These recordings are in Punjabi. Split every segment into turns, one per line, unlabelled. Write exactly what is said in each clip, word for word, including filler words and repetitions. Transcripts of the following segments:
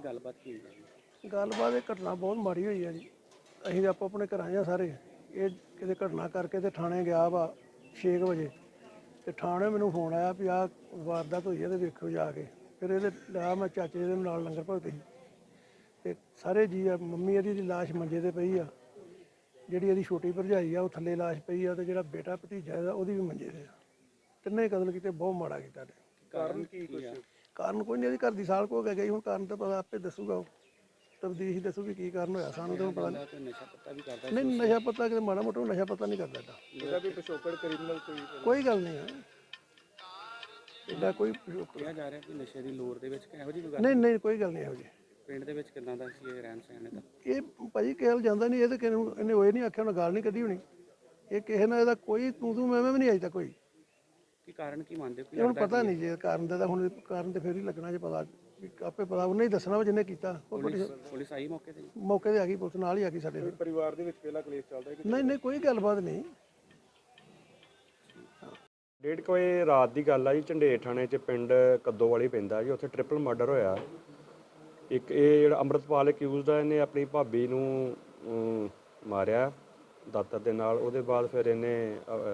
ਗੱਲਬਾਤ ਕੀ ਹੋਈ ਹੈ?
ਗੱਲਬਾਤ ਇਹ ਘਟਨਾ ਬਹੁਤ ਮਾੜੀ ਹੋਈ ਹੈ ਜੀ। ਅਸੀਂ ਤਾਂ ਆਪੋ ਆਪਣੇ ਘਰਾਂ 'ਚ ਆ ਸਾਰੇ। ਇਹ ਕਿਤੇ ਘਟਨਾ ਕਰਕੇ ਤੇ ਥਾਣੇ ਗਿਆ ਵਾ ਛੇ ਕੁ ਵਜੇ ਤੇ ਥਾਣੇ ਮੈਨੂੰ ਫੋਨ ਆਇਆ ਵੀ ਆਹ ਵਾਰਦਾਤ ਹੋਈ ਹੈ ਤੇ ਵੇਖੋ ਜਾ ਕੇ। ਫਿਰ ਇਹਦੇ ਲਿਆ ਮੈਂ ਚਾਚੇ ਦੇ ਨਾਲ ਲੰਗਰ ਭਗਤ ਸੀ ਤੇ ਸਾਰੇ ਜੀ ਆ। ਮੰਮੀ ਇਹਦੀ ਦੀ ਲਾਸ਼ ਮੰਜੇ ਤੇ ਪਈ ਆ, ਜਿਹੜੀ ਇਹਦੀ ਛੋਟੀ ਭਰਜਾਈ ਆ ਉਹ ਥੱਲੇ ਲਾਸ਼ ਪਈ ਆ, ਤੇ ਜਿਹੜਾ ਬੇਟਾ ਭਤੀਜਾ ਇਹਦਾ ਉਹਦੀ ਵੀ ਮੰਜੇ ਤੇ ਆ। ਤਿੰਨੇ ਕਤਲ ਕੀਤੇ, ਬਹੁਤ ਮਾੜਾ ਕੀਤਾ ਨੇ।
ਕਾਰਨ ਕੀ ਕੁਛ?
ਕਾਰਨ ਕੋਈ ਨਹੀਂ, ਇਹਦੀ ਘਰ ਦੀ ਸਾਲ ਕੋ ਗਈ। ਹੁਣ ਕਾਰਨ ਤਾਂ ਪਤਾ ਆਪੇ ਦੱਸੂਗਾ, ਉਹ ਤਬਦੀਸ਼ ਦੱਸੂਗੀ ਕੀ ਕਾਰਨ ਹੋਇਆ। ਸਾਨੂੰ ਤਾਂ ਪਤਾ ਨਹੀਂ।
ਨਸ਼ਾ ਪੱਤਾ ਵੀ ਕਰਦਾ?
ਨਹੀਂ, ਨਸ਼ਾ ਪੱਤਾ ਕਿਤੇ ਮਾੜਾ ਮੋਟਾ ਨਸ਼ਾ ਪੱਤਾ ਨਹੀਂ ਕਰਦਾ।
ਇਹਦਾ ਕੋਈ ਪਿਛੋਕੜ ਕ੍ਰਿਮੀਨਲ ਕੋਈ
ਕੋਈ ਗੱਲ ਨਹੀਂ ਹੈ ਇਹਦਾ ਕੋਈ ਪਿਛੋਕੜ।
ਕਿਹਾ ਜਾ ਰਿਹਾ ਕਿ ਨਸ਼ੇ ਦੀ ਲੋੜ ਦੇ ਵਿੱਚ ਇਹੋ ਜਿਹੀ ਕੋਈ ਗੱਲ?
ਨਹੀਂ ਨਹੀਂ, ਕੋਈ ਗੱਲ ਨਹੀਂ ਇਹੋ ਜਿਹੀ।
ਪਿੰਡ ਦੇ ਵਿੱਚ ਕਿੰਨਾ ਦਾ ਸੀ ਇਹ ਰਹਿਣ ਸਹਿਣ ਦਾ?
ਇਹ ਭਾਜੀ ਕਹਿਲ ਜਾਂਦਾ ਨਹੀਂ। ਇਹ ਤਾਂ ਕਿਸੇ ਨੂੰ ਇਹਨੇ ਹੋਏ ਨਹੀਂ ਆਖਿਆ, ਉਹਨੇ ਗੱਲ ਨਹੀਂ ਕੱਢੀ ਹੋਣੀ। ਇਹ ਕਿਸੇ ਨਾਲ ਇਹਦਾ ਕੋਈ ਤੂੰ ਤੂੰ ਮੈਂ ਮੈਂ ਵੀ ਨਹੀਂ ਅਜੇ ਤੱਕ ਕੋਈ।
ਕੀ ਕਾਰਨ ਕੀ ਮੰਨਦੇ ਹੋ?
ਇਹ ਹੁਣ ਪਤਾ ਨਹੀਂ ਜੇ ਕਾਰਨ ਦਾ, ਤਾਂ ਹੁਣ ਕਾਰਨ ਤੇ ਫਿਰ ਹੀ ਲੱਗਣਾ ਜੇ ਪਤਾ ਵੀ ਆਪੇ ਪਤਾ ਉਹਨੇ ਹੀ ਦੱਸਣਾ ਵਾ ਜਿਹਨੇ ਕੀਤਾ। ਉਹ
ਪੁਲਿਸ ਪੁਲਿਸ ਆਈ ਮੌਕੇ ਤੇ?
ਮੌਕੇ ਤੇ ਆ ਗਈ ਪੁਲਿਸ, ਨਾਲ ਹੀ ਆ ਗਈ ਸਾਡੇ।
ਪਰਿਵਾਰ ਦੇ ਵਿੱਚ ਪਹਿਲਾ ਕਲੇਸ਼ ਚੱਲਦਾ ਹੈ?
ਨਹੀਂ ਨਹੀਂ, ਕੋਈ ਗੱਲਬਾਤ ਨਹੀਂ।
ਡੇਢ ਕੁ ਵਜੇ ਰਾਤ ਦੀ ਗੱਲ ਆ ਜੀ। ਝੰਡੇਰ ਥਾਣੇ 'ਚ ਪਿੰਡ ਕੱਦੋਵਾਲੀ ਪੈਂਦਾ ਜੀ, ਉੱਥੇ ਟ੍ਰਿਪਲ ਮਰਡਰ ਹੋਇਆ। ਇੱਕ ਇਹ ਜਿਹੜਾ ਅੰਮ੍ਰਿਤਪਾਲ ਅਕਿਊਜ਼ਡ ਆ, ਇਹਨੇ ਆਪਣੀ ਭਾਬੀ ਨੂੰ ਅਮ, ਮਾਰਿਆ ਦਾਤਰ ਦੇ ਨਾਲ। ਉਹਦੇ ਬਾਅਦ ਫਿਰ ਇਹਨੇ ਅ,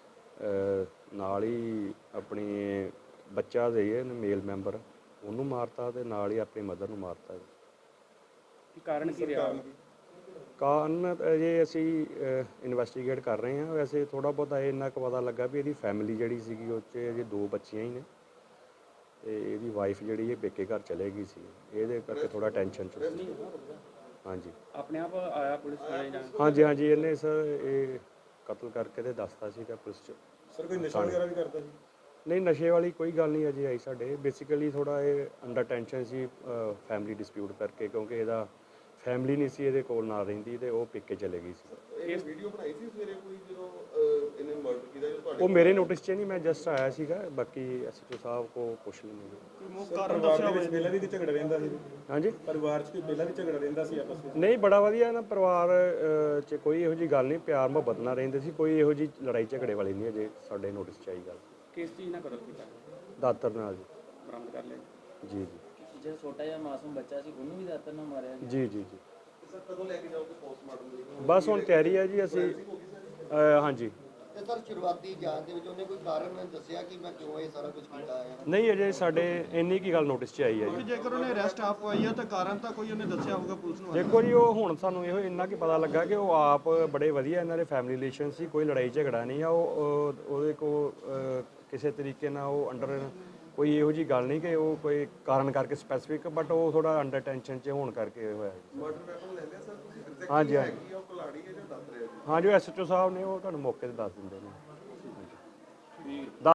ਅ, ਨਾਲ ਹੀ ਆਪਣੀ ਬੱਚਾ ਦੇ ਇਹਨੇ ਮੇਲ ਮੈਂਬਰ ਉਹਨੂੰ ਮਾਰਤਾ, ਤੇ ਨਾਲ ਹੀ ਆਪਣੀ ਮਦਰ ਨੂੰ ਮਾਰਤਾ ਜੀ।
ਕੀ ਕਾਰਨ ਕੀ ਰਿਹਾ?
ਕਾਰਨ ਅਜੇ ਅਸੀਂ ਇਨਵੈਸਟੀਗੇਟ ਕਰ ਰਹੇ ਹਾਂ। ਵੈਸੇ ਥੋੜ੍ਹਾ ਬਹੁਤਾ ਇਹ ਇੰਨਾ ਕੁ ਪਤਾ ਲੱਗਾ ਵੀ ਇਹਦੀ ਫੈਮਿਲੀ ਜਿਹੜੀ ਸੀਗੀ ਉਹ 'ਚ ਅਜੇ ਦੋ ਬੱਚੀਆਂ ਹੀ ਨੇ, ਤੇ ਇਹਦੀ ਵਾਈਫ ਜਿਹੜੀ ਇਹ ਪੇਕੇ ਘਰ ਚਲੇ ਗਈ ਸੀ। ਇਹਦੇ ਕਰਕੇ ਥੋੜਾ ਟੈਨਸ਼ਨ 'ਚ ਸੀ। ਹਾਂਜੀ
ਆਪਣੇ ਆਪ ਆਇਆ ਪੁਲਿਸ ਵਾਲੇ ਜਾਂ?
ਹਾਂਜੀ ਹਾਂਜੀ, ਇਹਨੇ ਸਰ ਇਹ ਕਤਲ ਕਰਕੇ ਤੇ ਦੱਸਤਾ ਸੀਗਾ ਪੁਲਿਸ 'ਚ।
ਸਰ ਕੋਈ ਨਸ਼ਾ ਵਗੈਰਾ ਵੀ ਕਰਦਾ ਸੀ?
ਨਹੀਂ, ਨਸ਼ੇ ਵਾਲੀ ਕੋਈ ਗੱਲ ਨਹੀਂ ਅਜੇ ਆਈ ਸਾਡੇ। ਬੇਸਿਕਲੀ ਥੋੜਾ ਇਹ ਅੰਡਰ ਟੈਨਸ਼ਨ ਸੀ ਫੈਮਿਲੀ ਡਿਸਪਿਊਟ ਕਰਕੇ, ਕਿਉਂਕਿ ਇਹਦਾ ਫੈਮਿਲੀ ਨਹੀਂ ਸੀ ਇਹਦੇ ਕੋਲ ਨਾਲ ਰਹਿੰਦੀ, ਤੇ ਉਹ ਪੇਕੇ ਚਲੇ ਗਈ ਸੀ।
ਇਹ ਵੀਡੀਓ ਬਣਾਈ ਸੀ ਸਵੇਰੇ ਕੋਈ ਜਦੋਂ ਇਹਨੇ ਮਰਡਰ ਕੀਤਾ ਜਦੋਂ ਤੁਹਾਡੇ?
ਉਹ ਮੇਰੇ ਨੋਟਿਸ 'ਚ ਨਹੀਂ, ਮੈਂ ਜਸਟ ਆਇਆ ਸੀਗਾ। ਬਾਕੀ ਐਸਐਚਓ ਸਾਹਿਬ ਕੋ ਪੁੱਛ ਲੈਂਗੇ।
ਕਾਰਨ ਦੱਸਿਆ ਹੋਵੇ ਪਹਿਲਾਂ ਵੀ ਝਗੜਾ ਰਹਿੰਦਾ ਸੀ?
ਹਾਂਜੀ,
ਪਰਿਵਾਰ 'ਚ ਕੋਈ ਪਹਿਲਾਂ ਵੀ ਝਗੜਾ ਰਹਿੰਦਾ ਸੀ ਆਪਸ ਵਿੱਚ?
ਨਹੀਂ, ਬੜਾ ਵਧੀਆ ਨਾ ਪਰਿਵਾਰ ਅ, 'ਚ ਕੋਈ ਇਹੋ ਜਿਹੀ ਗੱਲ ਨਹੀਂ, ਪਿਆਰ ਮੁਹੱਬਤ ਨਾਲ ਰਹਿੰਦੇ ਸੀ। ਕੋਈ ਇਹੋ ਜਿਹੀ ਲੜਾਈ ਝਗੜੇ ਵਾਲੀ ਨਹੀਂ ਅਜੇ ਸਾਡੇ ਨੋਟਿਸ 'ਚ ਆਈ ਗੱਲ।
ਕਿਸ ਚੀਜ਼ ਨਾਲ ਕਤਲ ਕੀਤਾ?
ਦਾਤਰ ਨਾਲ ਜੀ।
ਬਰਾਮਦ ਕਰ ਲਿਆ?
ਜੀ ਜੀ
ਜਿਹੜਾ ਛੋਟਾ ਜਿਹਾ ਮਾਸੂਮ ਬੱਚਾ ਸੀ ਉਹਨੂੰ ਵੀ ਦਾਤਰ ਨਾਲ ਮਾਰਿਆ ਗਿਆ?
ਜੀ ਜੀ ਜੀ।
ਸਰ ਕਦੋਂ ਲੈ ਕੇ ਜਾਓਗੇ ਪੋਸਟਮਾਰਟਮ ਲਈ?
ਬਸ ਹੁਣ ਤਿਆਰੀ ਹੈ ਜੀ। ਅਸੀਂ ਅ, ਹਾਂਜੀ।
ਤੇ ਸਰ ਸ਼ੁਰੂਆਤੀ ਜਾਂਚ ਦੇ ਵਿੱਚ ਉਹਨੇ ਕੋਈ ਕਾਰਨ ਦੱਸਿਆ ਕਿ ਮੈਂ ਕਿਉਂ ਇਹ ਸਾਰਾ ਕੁਝ ਕੀਤਾ ਹੈ?
ਨਹੀਂ, ਅਜੇ ਸਾਡੇ ਇੰਨੀ ਕੀ ਗੱਲ ਨੋਟਿਸ 'ਚ ਆਈ ਹੈ ਜੀ।
ਜੇਕਰ ਉਹਨੇ ਅਰੈਸਟ ਆਪ ਹੋਈ ਹੈ ਤਾਂ ਕਾਰਨ ਤਾਂ ਕੋਈ ਉਹਨੇ ਦੱਸਿਆ ਹੋਊਗਾ ਪੁਲਿਸ ਨੂੰ?
ਦੇਖੋ ਜੀ, ਉਹ ਹੁਣ ਸਾਨੂੰ ਇਹੋ ਇੰਨਾ ਕੀ ਪਤਾ ਲੱਗਾ ਕਿ ਉਹ ਆਪ ਬੜੇ ਵਧੀਆ, ਇਹਨਾਂ ਦੇ ਫੈਮਿਲੀ ਰਿਲੇਸ਼ਨ ਸੀ, ਕੋਈ ਲੜਾਈ ਝਗੜਾ ਨਹੀਂ ਆ। ਉਹ ਉਹ- ਉਹਦੇ ਕੋਲ ਅ, ਕਿਸੇ ਤਰੀਕੇ ਨਾਲ ਉਹ ਅੰਡਰ ਕੋਈ ਇਹੋ ਜਿਹੀ ਗੱਲ ਨਹੀਂ ਕਿ ਉਹ ਕੋਈ ਕਾਰਨ ਕਰਕੇ ਸਪੈਸੀਫਿਕ, ਬਟ ਉਹ ਥੋੜਾ ਅੰਡਰ ਟੈਨਸ਼ਨ 'ਚ ਹੋਣ ਕਰਕੇ ਹੋਇਆ ਜੀ।
ਮਰਡਰ ਵੈਪਨ ਲੈ ਲਿਆ ਸਰ ਤੁਸੀਂ? ਐਗਜ਼ੈਕਟ
ਹਾਂਜੀ ਹਾਂਜੀ
ਹੈਗੀ ਆ ਉਹ ਕੁਲਾੜੀ ਹੈ ਜਾਂ ਦੱਸ ਰਹੇ ਹੋ?
ਹਾਂ, ਜੋ ਐਸਐਚਓ ਸਾਹਿਬ ਨੇ ਉਹ ਤੁਹਾਨੂੰ ਮੌਕੇ ਤੇ ਦੱਸ ਦਿੰਦੇ ਨੇ।